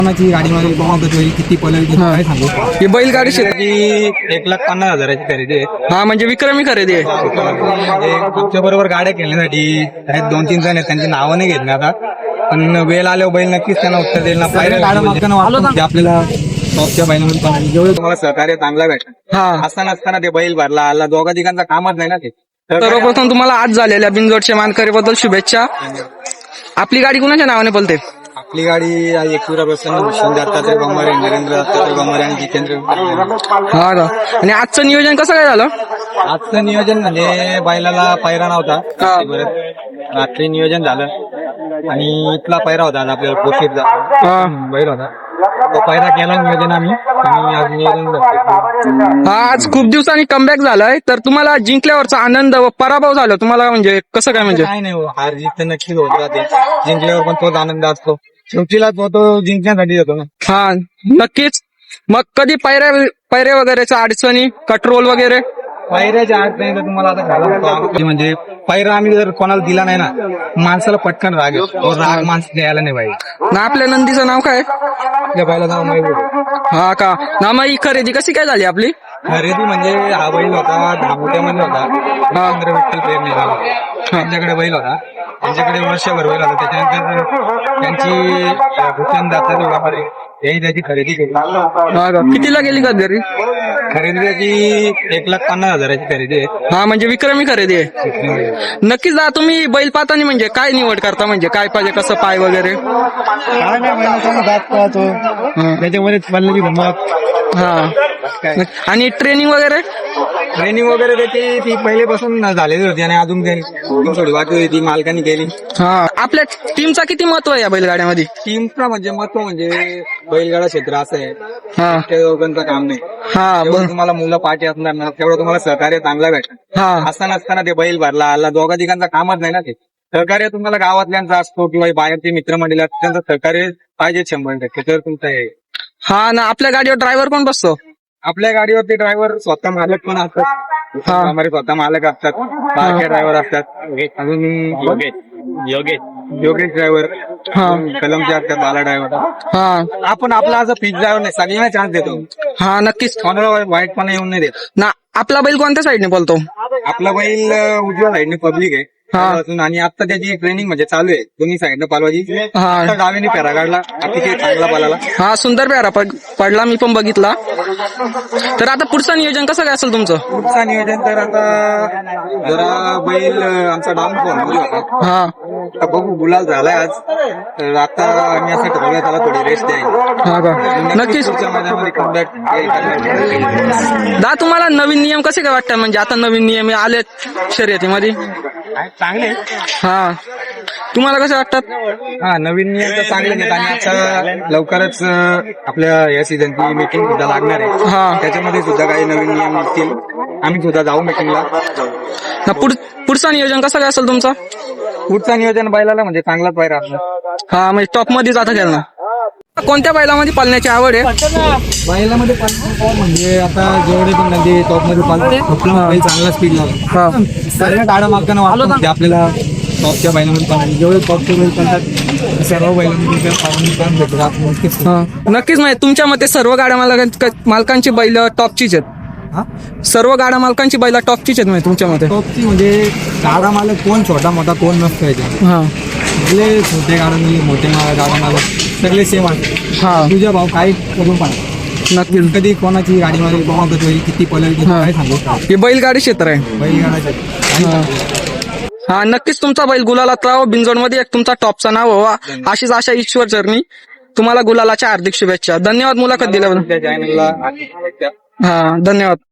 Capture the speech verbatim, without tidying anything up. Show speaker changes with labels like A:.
A: कोणाची गाडीमध्ये बघत होईल किती पळेल किती काय सांगू.
B: ही बैलगाडी शेत
A: ती एक लाख पन्नास हजाराची खरेदी आहे.
B: हा म्हणजे विक्रमी खरेदी आहे.
A: म्हणजे आमच्या बरोबर गाड्या खेळण्यासाठी आहेत दोन तीन जण आहेत, त्यांची नावं नाही घेत ना आता, पण वेळ आल्यावर बैल नक्कीच त्यांना उत्तर देईल ना. पायऱ्या आपल्याला टॉपच्या बैलामध्ये पण जेवढं तुम्हाला सहकार्य चांगला भेटलं.
B: हा
A: असताना असताना ते बैल भरला आला, दोघा तिघांचा कामच नाही ना ते.
B: सर्वप्रथम तुम्हाला आज झालेल्या बिनजोडच्या मानकरीबद्दल शुभेच्छा. आपली गाडी कुणाच्या नावाने बोलते?
A: आपली गाडी आज एकविरा प्रसन्न भूषण दत्तात्रय गंभारे, नरेंद्र दत्तात्रय गंभारे आणि जितेंद्र.
B: हा का. आणि आजचं नियोजन कसं काय झालं?
A: आजचं नियोजन म्हणजे बैलाला पायरा नव्हता, रात्री नियोजन झालं आणि इथला पायरा होता आज आपल्याला पोशीरचा
B: हा
A: बैल होता, तो पायरा केला नियोजन आम्ही आणि आज नियोजन झालं.
B: हा, आज खूप दिवसांनी कमबॅक झालाय, तर तुम्हाला जिंकल्यावरचा आनंद व पराभव झाला तुम्हाला म्हणजे कसं काय? म्हणजे
A: काय नाही हो, हार जीत तर नक्कीच होत राहते, जिंकल्यावर पण तोच आनंद असतो. शेवटीला तो तो जिंकण्यासाठी येतो ना.
B: हा नक्कीच. मग कधी पायऱ्या पायऱ्या वगैरेच्या अडचणी, कट्रोल वगैरे?
A: पायऱ्याच्या आत नाही तर तुम्हाला आता झाला म्हणजे पायरा आम्ही जर कोणाला दिला नाही ना, माणसाला पटकन राग येतो, राग माणसं द्यायला नाही पाहिजे.
B: ना आपल्या नंदीचं नाव काय?
A: त्या बैला नाव माहिती.
B: हा का. ना मग ही खरेदी कशी काय झाली आपली?
A: खरेदी म्हणजे हा बैल होता धामोट्यामध्ये होता, चंद्र विठ्ठल प्रेम त्यांच्याकडे बैल होता, त्यांच्याकडे वर्षभर बैल होता. त्याच्यानंतर त्यांची भूषण दाता व्यापारी यांनी त्याची खरेदी केली.
B: हा का. कितीला गेली का घरी?
A: खरेदी त्याची एक लाख पन्नास हजाराची खरेदी आहे.
B: हा म्हणजे विक्रमी खरेदी आहे. नक्कीच. जा तुम्ही बैल पाहताना म्हणजे काय निवड करता, म्हणजे काय पाहिजे, कसं पाय वगैरे?
A: काय नाही बैलाचा दात पाहतो, त्याच्यामध्ये पडलेली धमक.
B: हा. आणि ट्रेनिंग वगैरे?
A: ट्रेनिंग वगैरे त्याची ती पहिलेपासून झालेली होती आणि अजून काही थोडी बाकी होती, ती मालकाने केली.
B: हा. आपल्या टीमचा किती महत्व आहे या बैलगाड्यामध्ये?
A: टीमचा म्हणजे महत्व म्हणजे बैलगाडा क्षेत्र असं आहे,
B: हा
A: त्या दोघांचं काम नाही.
B: हा
A: जेवढं तुम्हाला मुलं पाठी असणार ना, तेवढं तुम्हाला सहकार्य चांगला भेटणार.
B: हा
A: असताना असताना ते बैल भरला आला, दोघा तिघांचा कामच नाही ना ते. सहकार्य तुम्हाला गावातल्यांचा असतो किंवा बाहेरचे मित्रमंडळी असतात, त्यांचं सहकार्य पाहिजे शंभर टक्के, तर तुमचं आहे.
B: हा ना. आपल्या गाडीवर ड्रायव्हर कोण बसतो?
A: आपल्या गाडीवरती ड्रायव्हर स्वतः मालक पण असतात, आम्हाला स्वतः मालक असतात, बारके ड्रायव्हर असतात, अजून योगेश योगेश योगेश ड्रायव्हर, कलमचे असतात बाला ड्रायव्हर.
B: हा
A: आपण आपला असं फिक्स ड्रायव्हर नाही, सगळ्यांना चान्स देतो.
B: हा नक्कीच.
A: कोणाला वाईटपणा येऊन नाही देत.
B: ना आपला बैल कोणत्या साईडने बोलतो?
A: आपला बैल उजव्या साईडने पब्लिक आहे
B: हा.
A: अजून, आणि आता त्याची ट्रेनिंग म्हणजे चालू आहे दोन्ही साईडनं पालवाची.
B: हा.
A: आता डावीने फेरा काढला, अतिशय चांगला पालाला.
B: हा सुंदर प्यारा पड- पडला, मी पण बघितला. तर आता पुढचं नियोजन कसं काय असेल तुमचं?
A: पुढचा नियोजन तर आता जरा बैल आमचा डाऊन फॉर्म होता,
B: हा
A: आता बघू, गुलाल झालाय आज, तर आता आम्ही असं ठरवलं त्याला थोडी रेस्ट द्यायची.
B: हा का. नक्कीच.
A: पुढच्या महिन्यामध्ये कमबॅक.
B: दा तुम्हाला नवीन नियम कसे काय वाटतात? म्हणजे आता नवीन नियम आले शर्यतीमध्ये.
A: चांगले.
B: हा तुम्हाला कसे वाटतात?
A: हा, नवीन नियम तर चांगले आहेत आणि आता लवकरच अं, आपल्या या सीझनची मीटिंग सुद्धा लागणार आहे.
B: हा.
A: त्याच्यामध्ये सुद्धा काही नवीन नियम निघतील, आम्ही सुद्धा जाऊ मीटिंगला.
B: ना पुढ पुढचं नियोजन कसं काय असेल तुमचं?
A: पुढचं नियोजन बैलाला म्हणजे चांगलाच पाहिजे आपलं.
B: हा म्हणजे टॉप मध्ये जाता खेळणं. कोणत्या बैलामध्ये पालण्याची आवड आहे?
A: बैलामध्ये पालतो म्हणजे आता जेवढे पण नदी टॉप मध्ये पालतो, आपला बैल चांगला स्पीड लागतो. सर्व गाड्या मागताना वाटतं म्हणजे आपल्याला टॉपच्या बैलामध्ये पाहिजे, जेवढे टॉपचे बैल पालतात सर्व बैलांमध्ये पाहून भेटतात आपण नक्कीच.
B: हा. नक्कीच. म्हणजे तुमच्या मते सर्व गाड्या मालकां मालकांची बैल टॉपचीच आहेत?
A: हा,
B: सर्व गाड्या मालकांची बैल टॉपचीच आहेत म्हणजे तुमच्या मते?
A: टॉपची म्हणजे गाडा मालक कोण छोटा मोठा कोण नसतो याच्यात.
B: हा
A: सगळे छोटे गाडा मालक मोठे मालक गाडा मालक सगळे सेम आहे.
B: हा
A: तुझ्या भाऊ काही करून पाहिजे.
B: नक्कीच.
A: कधी कोणाची गाडीमध्ये बघत होईल किती पळेल किती काय सांगू.
B: हे बैलगाडी क्षेत्र आहे.
A: बैलगाडा
B: हा नक्कीच. तुमचा बैल गुलालात राहो, बिनजोड मध्ये एक तुमचा टॉपचा नाव व्हावा अशीच आशा ईश्वर चरणी. तुम्हाला गुलालाच्या हार्दिक शुभेच्छा. धन्यवाद मुलाखत दिल्याबद्दल.
A: चॅनलला
B: हा धन्यवाद.